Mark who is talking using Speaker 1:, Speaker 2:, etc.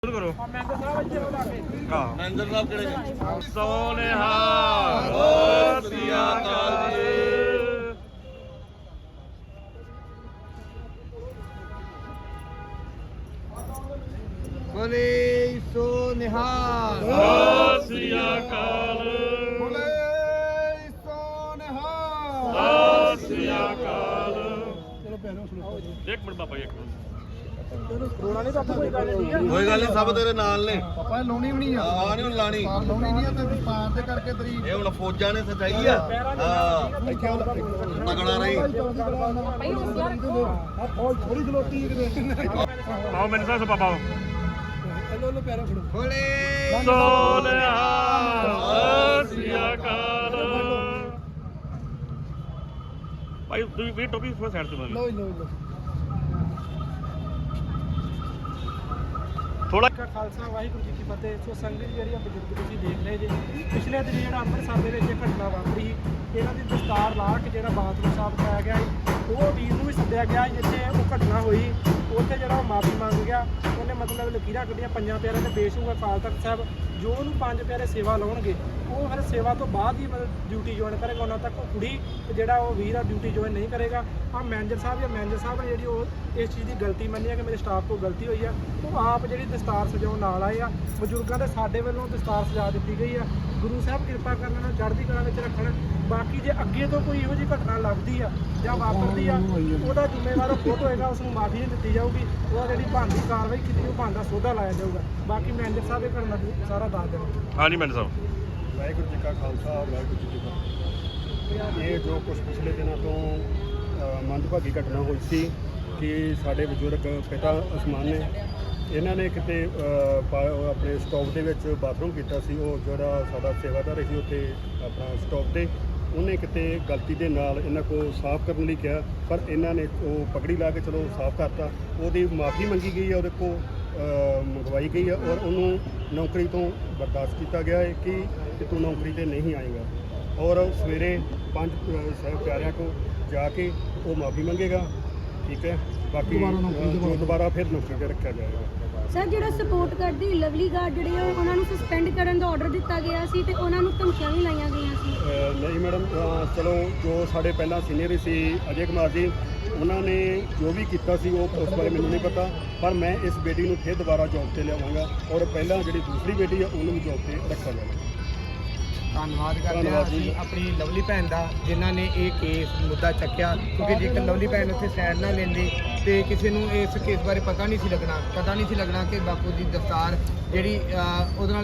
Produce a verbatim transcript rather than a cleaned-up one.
Speaker 1: करो
Speaker 2: मैनेजर साहब किहड़े ने
Speaker 1: सोनेहाल सिया काल जी
Speaker 3: बोले सोनेहाल
Speaker 1: सिया काल
Speaker 3: बोले सोनेहाल
Speaker 1: सिया काल।
Speaker 2: चलो भैनों सुनो
Speaker 1: एक मिनट बाबा एक मिनट
Speaker 2: रोना नहीं पापा कोई गल नहीं है
Speaker 3: कोई गल नहीं, सब तेरे नाल ने
Speaker 2: पापा लाउनी भी नहीं है
Speaker 3: ਆ ਨਹੀਂ ਹੁਣ ਲਾਣੀ
Speaker 2: लाउनी नहीं है ते पार दे करके तेरी
Speaker 3: ਇਹ ਹੁਣ ਫੌਜਾਂ ਨੇ ਸਚਾਈ ਆ ਹਾਂ ਤਗੜਾ ਰਹੀ
Speaker 2: और थोड़ी खलोती है
Speaker 1: आओ मैंने साहब से पापा
Speaker 2: हेलो लो पैरों खड़ो
Speaker 3: ਬੋਲੇ
Speaker 1: सोनेहाल सिया काल। भाई तू भी टोपी थोड़ा साइड से
Speaker 2: लो लो लो
Speaker 1: थोड़ा
Speaker 2: ਕਾ ਖਾਲਸਾ ਵਾਹਿਗੁਰੂ ਜੀ ਕੀ ਫਤਿਹ। ਸੋ ਸੰਗਤ ਜਿਹੜੀ ਆ ਬਜ਼ੁਰਗ ਤੁਸੀਂ ਦੇਖ ਰਹੇ ਜੇ ਪਿਛਲੇ ਦਿਨ ਜਿਹੜਾ ਅੰਮ੍ਰਿਤਸਰ ਦੇ ਵਿੱਚ ਇਹ ਘਟਨਾ ਵਾਪਰੀ ਸੀ, ਇਹਨਾਂ ਦੀ ਦਸਤਾਰ ਲਾ ਕੇ ਜਿਹੜਾ ਬਾਥਰੂਮ ਸਾਫ਼ ਕਰਾਇਆ ਗਿਆ ਸੀ, ਉਹ ਵੀਰ ਨੂੰ ਵੀ ਸੱਦਿਆ ਗਿਆ ਜਿੱਥੇ ਉਹ ਘਟਨਾ ਹੋਈ। ਉੱਥੇ ਜਿਹੜਾ ਉਹ ਮਾਫੀ ਮੰਗ ਗਿਆ, ਉਹਨੇ ਮਤਲਬ ਲਕੀਰਾਂ ਕੱਢੀਆਂ ਪੰਜਾਂ ਪਿਆਰਿਆਂ ਦੇ ਪੇਸ਼ ਹੋਊਗਾ ਅਕਾਲ ਤਖਤ ਸਾਹਿਬ। ਜੋ ਉਹਨੂੰ ਪੰਜ ਪਿਆਰੇ ਸੇਵਾ ਲਾਉਣਗੇ ਉਹ ਫਿਰ ਸੇਵਾ ਤੋਂ ਬਾਅਦ ਹੀ ਮਤਲਬ ਡਿਊਟੀ ਜੁਆਇਨ ਕਰੇਗਾ। ਉਹਨਾਂ ਤੱਕ ਉਹ ਕੁੜੀ ਤੇ ਜਿਹੜਾ ਉਹ ਵੀਰ ਆ ਡਿਊਟੀ ਜੁਆਇਨ ਨਹੀਂ ਕਰੇਗਾ। ਆ ਮੈਨੇਜਰ ਸਾਹਿਬ ਜਾਂ ਮੈਨੇਜਰ ਸਾਹਿਬ ਨੇ ਜਿਹੜੀ ਉਹ ਇਸ ਚੀਜ਼ ਦੀ ਗਲਤੀ ਮੰਨੀ ਹੈ ਕਿ ਮੇਰੇ ਸਟਾਫ ਕੋਲ ਗਲਤੀ ਹੋਈ ਆ, ਉਹ ਆਪ ਜਿਹੜੀ ਦਸਤਾਰ ਸਜਾਉਣ ਨਾਲ ਆਏ ਆ। ਬਜ਼ੁਰਗਾਂ ਦੇ ਸਾਡੇ ਵੱਲੋਂ ਦਸਤਾਰ ਸਜਾ ਦਿੱਤੀ ਗਈ ਆ। ਗੁਰੂ ਸਾਹਿਬ ਕਿਰਪਾ ਕਰਨ ਨਾਲ ਚੜ੍ਹਦੀ ਕਲਾ ਵਿੱਚ ਰੱਖਣ। ਬਾਕੀ ਜੇ ਅੱਗੇ ਤੋਂ ਕੋਈ ਇਹੋ ਜਿਹੀ ਘਟਨਾ ਲੱਗਦੀ ਆ ਜਾਂ ਵਾਪਰਦੀ ਆ, ਉਹਦਾ ਜ਼ਿੰਮੇਵਾਰ ਖੁਦ ਹੋਏਗਾ, ਉਸ ਨੂੰ ਮਾਫੀ ਨਹੀਂ ਦਿੱਤੀ ਜਾਊਗੀ। ਉਹਦਾ ਜਿਹੜੀ ਬਣਦੀ ਕਾਰਵਾਈ ਕੀਤੀ ਉਹ ਬਣਦਾ ਸੋਧਾ ਲਾਇਆ ਜਾਊਗਾ। ਬਾਕੀ ਮੈਨੇਜਰ ਸਾਹਿਬ ਇਹ ਘਟਨਾ ਸਾਰਾ ਦੱਸ ਦੇਣਗੇ।
Speaker 1: हाँ जी मैंने साहब
Speaker 4: ਵਾਹਿਗੁਰੂ ਜੀ ਕਾ ਖਾਲਸਾ ਵਾਹਿਗੁਰੂ ਜੀ ਕੀ ਫਤਿਹ। ਇਹ ਜੋ ਕੁਝ ਪਿਛਲੇ ਦਿਨਾਂ ਤੋਂ ਅ, ਮੰਦਭਾਗੀ ਘਟਨਾ ਹੋਈ ਸੀ ਕਿ ਸਾਡੇ ਬਜ਼ੁਰਗ ਪਿਤਾ ਅਸਮਾਨ ਨੇ ਇਹਨਾਂ ਨੇ ਕਿਤੇ ਅ, ਪਾ- ਉਹ ਆਪਣੇ ਸਟਾਪ ਦੇ ਵਿੱਚ ਬਾਥਰੂਮ ਕੀਤਾ ਸੀ। ਉਹ ਜਿਹੜਾ ਸਾਡਾ ਸੇਵਾਦਾਰ ਸੀ ਉੱਥੇ ਆਪਣਾ ਸਟਾਪ ਤੇ, ਉਹਨੇ ਕਿਤੇ ਗਲਤੀ ਦੇ ਨਾਲ ਇਹਨਾਂ ਕੋਲ ਸਾਫ਼ ਕਰਨ ਲਈ ਕਿਹਾ, ਪਰ ਇਹਨਾਂ ਨੇ ਉਹ ਪਗੜੀ ਲਾ ਕੇ ਚਲੋ ਸਾਫ਼ ਕਰਤਾ। ਉਹਦੀ ਮਾਫੀ ਮੰਗੀ ਗਈ ਹੈ, ਉਹਦੇ ਕੋਲ ਅ, ਮੰਗਵਾਈ ਗਈ ਹੈ ਔਰ ਉਹਨੂੰ ਨੌਕਰੀ ਤੋਂ ਬਰਦਾਸ਼ਤ ਕੀਤਾ ਗਿਆ ਹੈ ਕਿ ਕਿ ਤੂੰ ਨੌਕਰੀ ਤੇ ਨਹੀਂ ਆਏਗਾ। ਔਰ ਸਵੇਰੇ ਪੰਜ ਅ, ਸਾਹਿਬ ਪਿਆਰਿਆਂ ਕੋਲ ਜਾ ਕੇ ਉਹ ਮਾਫੀ ਮੰਗੇਗਾ। ਠੀਕ ਹੈ, ਬਾਕੀ ਅ, ਦੁਬਾਰਾ ਫਿਰ ਨੌਕਰੀ ਤੇ ਰੱਖਿਆ ਜਾਏਗਾ।
Speaker 5: ਸਰ ਜਿਹੜਾ ਸਪੋਰਟ ਕਰਦੀ ਲਵਲੀ ਗਾਰਡ ਜਿਹੜੇ ਆ ਉਹਨਾਂ ਨੂੰ ਸਸਪੈਂਡ ਕਰਨ ਦਾ ਆਰਡਰ ਦਿੱਤਾ ਗਿਆ ਸੀ ਤੇ ਉਹਨਾਂ ਨੂੰ ਧਮਕੀਆਂ ਵੀ ਲਾਈਆਂ ਗਈਆਂ ਸੀ।
Speaker 4: ਅ, ਨਹੀਂ ਮੈਡਮ, ਅ, ਚਲੋ ਜੋ ਸਾਡੇ ਪਹਿਲਾਂ ਸੀਨੀਅਰ ਸੀ ਅਜੇ ਕੁਮਾਰ ਜੀ, ਉਹਨਾਂ ਨੇ ਜੋ ਵੀ ਕੀਤਾ ਸੀ ਉਹ ਉਸ ਬਾਰੇ ਮੈਨੂੰ ਨਹੀਂ ਪਤਾ, ਪਰ ਮੈਂ ਇਸ ਬੇਟੀ ਨੂੰ ਫਿਰ ਦੁਬਾਰਾ ਜੌਬ ਤੇ ਲਿਆਵਾਂਗਾ ਔਰ ਪਹਿਲਾਂ ਜਿਹੜੀ ਦੂਸਰੀ ਬੇਟੀ ਆ ਉਹਨੂੰ ਵੀ ਜੌਬ ਤੇ ਰੱਖਿਆ ਜਾਵੇਗਾ।
Speaker 3: ਧੰਨਵਾਦ ਕਰਦੇ ਹਾਂ
Speaker 4: ਧੰਨਵਾਦ ਜੀ।
Speaker 3: ਅਸੀਂ ਆਪਣੀ ਲਵਲੀ ਭੈਣ ਦਾ ਜਿਨ੍ਹਾਂ ਨੇ ਇਹ ਕੇਸ ਮੁੱਦਾ ਚੱਕਿਆ, ਕਿਉਂਕਿ ਜੇਕਰ ਲਵਲੀ ਭੈਣ ਉੱਥੇ ਸਾਈਡ ਨਾ ਲੈਂਦੇ ਤੇ ਕਿਸੇ ਨੂੰ ਇਸ ਕੇਸ ਬਾਰੇ ਪਤਾ ਨਹੀਂ ਸੀ ਲੱਗਣਾ ਪਤਾ ਨਹੀਂ ਸੀ ਲੱਗਣਾ ਕਿ ਬਾਪੂ ਦੀ ਦਸਤਾਰ ਜਿਹੜੀ ਅ, ਉਹਦੇ ਨਾਲ